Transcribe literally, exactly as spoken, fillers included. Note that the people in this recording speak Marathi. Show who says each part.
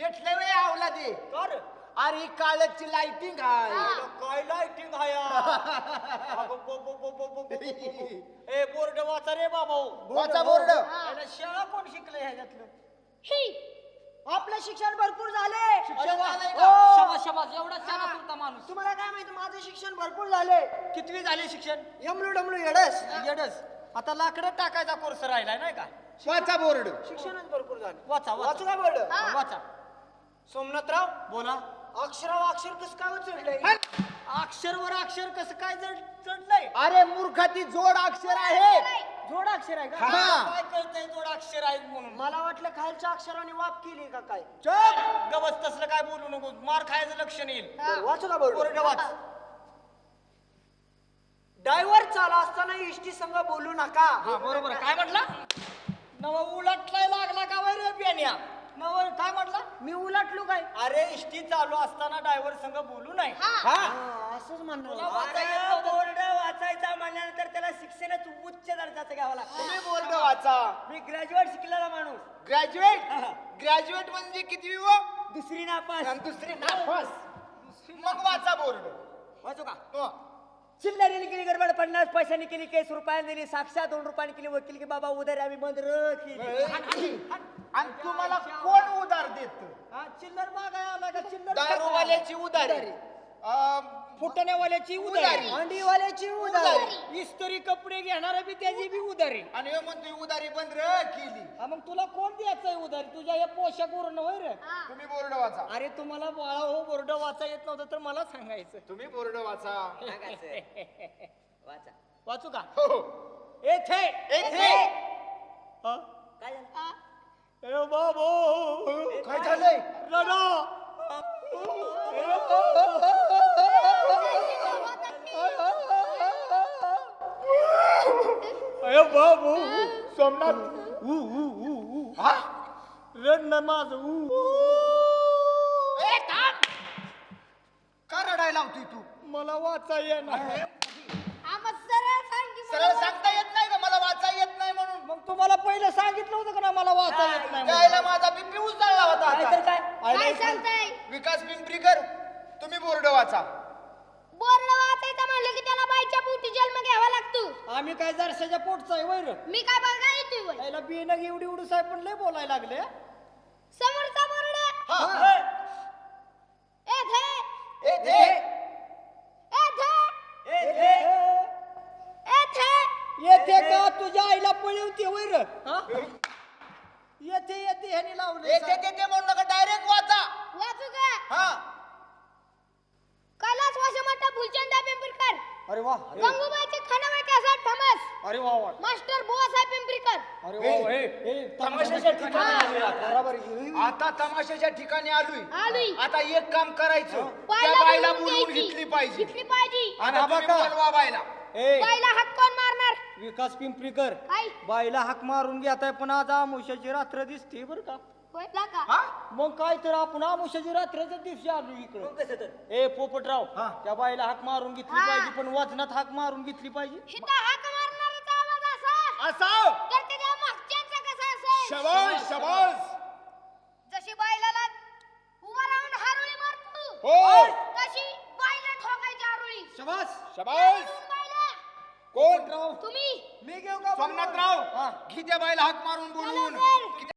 Speaker 1: पेटले वे आवला दे
Speaker 2: कर
Speaker 1: अरे काळची लाइटिंग आहे
Speaker 2: काय लाइटिंग आहे अगं, बो, बो, बो, बो, बो, बो, बो, बो. ए बोर्ड वाचा रे बाबा
Speaker 1: वाचा बोर्ड
Speaker 2: याला शाळा कोण शिकले ह्याच्यातलं
Speaker 3: आपलं शिक्षण भरपूर झाले
Speaker 2: शिक्षण झालंय
Speaker 3: हो.
Speaker 2: का? शाबास शाबास एवढा छान होता माणूस
Speaker 3: तुम्हाला काय माहिती माझं शिक्षण भरपूर झाले
Speaker 2: कितवी झाली शिक्षण
Speaker 3: एमलू डमलू येडस
Speaker 2: येडस आता लाकडं टाकायचा कोर्स राहिलाय नाही का
Speaker 1: वाचा बोर्ड
Speaker 3: शिक्षणच भरपूर झाले
Speaker 2: वाचा
Speaker 3: वाचू
Speaker 2: वाचा
Speaker 3: का बोर्ड
Speaker 2: वाचा
Speaker 3: सोमनाथराव
Speaker 2: बोला
Speaker 3: अक्षराव अक्षर कस काय चढलंय
Speaker 2: अक्षरवर अक्षर कसं काय जड चढलंय
Speaker 1: अरे मूर्खाती जोड अक्षर आहे
Speaker 3: जोड अक्षर आहे का
Speaker 1: हा.
Speaker 2: काय कळतंय जोड अक्षर आहेत म्हणून
Speaker 3: मला वाटलं खालच्या अक्षराने वाप केली का काय
Speaker 1: चप
Speaker 2: गवस तसलं काय बोलू नको मार खायचं लक्षण येईल
Speaker 3: बरं, वाचू का बोर्ड
Speaker 2: बोर्ड वाच
Speaker 3: ड्रायव्हर चाला असताना इष्टी संघ बोलू नका
Speaker 2: हा बरोबर काय म्हटला नव उलटलाय लागला का वय रे बियाण्या नव काय म्हटला
Speaker 3: मी उलटलो काय
Speaker 2: अरे इष्टी चालू असताना ड्रायव्हर संग बोलू नाही
Speaker 1: हा
Speaker 3: हा, असंच
Speaker 2: तुला
Speaker 3: म्हणणं
Speaker 2: वाचा येत नव्हतं. बोर्ड वाचायचा म्हणल्यानंतर त्याला शिक्षणच उच्च दर्जाचं घ्यावं लागतं
Speaker 1: तुम्ही बोर्ड वाचा
Speaker 2: मी ग्रॅज्युएट शिकलेला माणूस
Speaker 1: ग्रॅज्युएट ग्रॅज्युएट म्हणजे किती व
Speaker 2: दुसरी नापास
Speaker 1: आणि दुसरी नापास मग वाचा बोर्ड
Speaker 2: वाचू का
Speaker 1: हो.
Speaker 2: चिल्लरीने केली गडबड पन्नास पैशांनी केली केस रुपयाने दिली साक्षात दोन रुपयाने केली वकील की बाबा उधार आम्ही बंद र केली
Speaker 1: आणि तुम्हाला कोण उधार देत
Speaker 2: हा, चिल्लर मागाय आला का चिल्लर
Speaker 1: दारूवाल्याची उधारी अं,
Speaker 2: फुटण्यावाल्याची
Speaker 1: उधारी.
Speaker 2: उधारी
Speaker 3: अंडीवाल्याची उधारी
Speaker 2: इस्त्री कपडे घेणारा बी त्याची बी उधारी
Speaker 1: आणि हे म्हणतोय उधारी बंद र केली
Speaker 2: हा, मग तुला कोण द्यायचंय उधारी तुझ्या या पोशाख वरून होय रे
Speaker 1: तुम्ही बोर्ड वाचा
Speaker 2: अरे तुम्हाला बाळा हो बोर्ड वाचा येत नव्हतं तर मला सांगायचं
Speaker 1: तुम्ही बोर्ड वाचा
Speaker 2: वाचा वाचू का
Speaker 1: हो
Speaker 2: येथे
Speaker 1: येथे
Speaker 2: हा? ए बाबो
Speaker 1: काय झालंय
Speaker 2: रडा अरे बाबू
Speaker 1: सोमनाथ
Speaker 2: ऊ ऊ ऊ ऊ
Speaker 1: हा
Speaker 2: रड माझ ऊ
Speaker 1: ए, थांब. का रडायला लावतोय तू
Speaker 2: मला वाचा येणार
Speaker 1: सरळ सांगता येत नाही का मला वाचा येत नाही म्हणून
Speaker 2: मग तुम्हाला पहिलं सांगितलं होतं का ना मला वाचा येत नाही म्हणून?
Speaker 1: त्याला माझा बीपी उचलला होता
Speaker 2: काय तर
Speaker 1: आता.
Speaker 2: काय
Speaker 4: काय सांगताय
Speaker 1: विकास पिंपरीकर तुम्ही बोर्ड वाचा
Speaker 4: बोर्ड वाचायचं म्हणलं की त्याला बाईच्या पोटी जन्म घ्यावा लागतो
Speaker 2: आम्ही काय जरशाच्या पोटचा आहे वैर
Speaker 4: मी काय बघा येतोय वय.
Speaker 2: त्याला बिनग एवढी एवढी साहेब पण लय बोलायला लागले
Speaker 4: समोरचा बोर्ड
Speaker 1: हा.
Speaker 4: ए थे
Speaker 1: ए, ते.
Speaker 4: ए थे ए थे
Speaker 2: येते का तुझ्या आईला पळवते वैर येते येते ह्यानी लावले
Speaker 1: येते ते ते म्हणू नका डायरेक्ट वाचा
Speaker 4: वाचू का
Speaker 1: हा
Speaker 4: कैलास वासमटा फुलचंदा पिंपरीकर
Speaker 2: अरे वा
Speaker 4: गंगूबाईचे खानावळ कॅसेट फेमस
Speaker 2: अरे वा वा
Speaker 4: मास्टर बुवासाहेब पिंपरीकर
Speaker 2: अरे वा हे हे तमाशाच्या ठिकाणी आले आता.
Speaker 3: बरोबर
Speaker 1: आता तमाशाच्या ठिकाणी आलोय
Speaker 4: आलोय.
Speaker 1: आता एक काम करायचं
Speaker 4: बाईला
Speaker 1: त्या बाईला
Speaker 4: बोलवून
Speaker 1: बोलवून
Speaker 4: घ्यायची.
Speaker 1: घेतली पाहिजे
Speaker 4: घेतली पाहिजे
Speaker 1: आणि
Speaker 2: हा
Speaker 1: तुम्ही
Speaker 2: बघा.
Speaker 1: बोलवा बाईला
Speaker 2: ए
Speaker 4: बाईला हात कोण मारणार
Speaker 2: विकास पिंपरीकर
Speaker 4: काय
Speaker 2: बाईला हाक मारून घेताय पण आज आमुष्याची रात्र दिसते बर का
Speaker 4: बोलला का
Speaker 1: हा
Speaker 2: मग काय तर आपण आमुष्याची रात्रीच्या दिवशी आलो इकडे ए पोपटराव
Speaker 1: हा.
Speaker 2: त्या बाईला हाक मारून घेतली
Speaker 4: हा.
Speaker 2: पाहिजे पण वजनात हाक मारून घेतली पाहिजे
Speaker 4: हिता हाक मारणाराचा आवाज असा
Speaker 1: असाव
Speaker 4: तर त्याच्या मागच्यांचा कसा असेल
Speaker 1: शबाज शबाज
Speaker 4: जशी बाईला उभा राहून हारुळी मारतो
Speaker 1: हो
Speaker 4: तशी बाईला ठोकायची हारुळी
Speaker 2: शबास
Speaker 1: शबाज
Speaker 4: बाईला
Speaker 1: कोण
Speaker 2: राव
Speaker 4: तुम्ही
Speaker 2: मी घेऊ का
Speaker 1: सोमनाथराव
Speaker 2: हा.
Speaker 1: घे त्या बाईला हाक मारून बोलवून
Speaker 4: चला, सर.
Speaker 1: की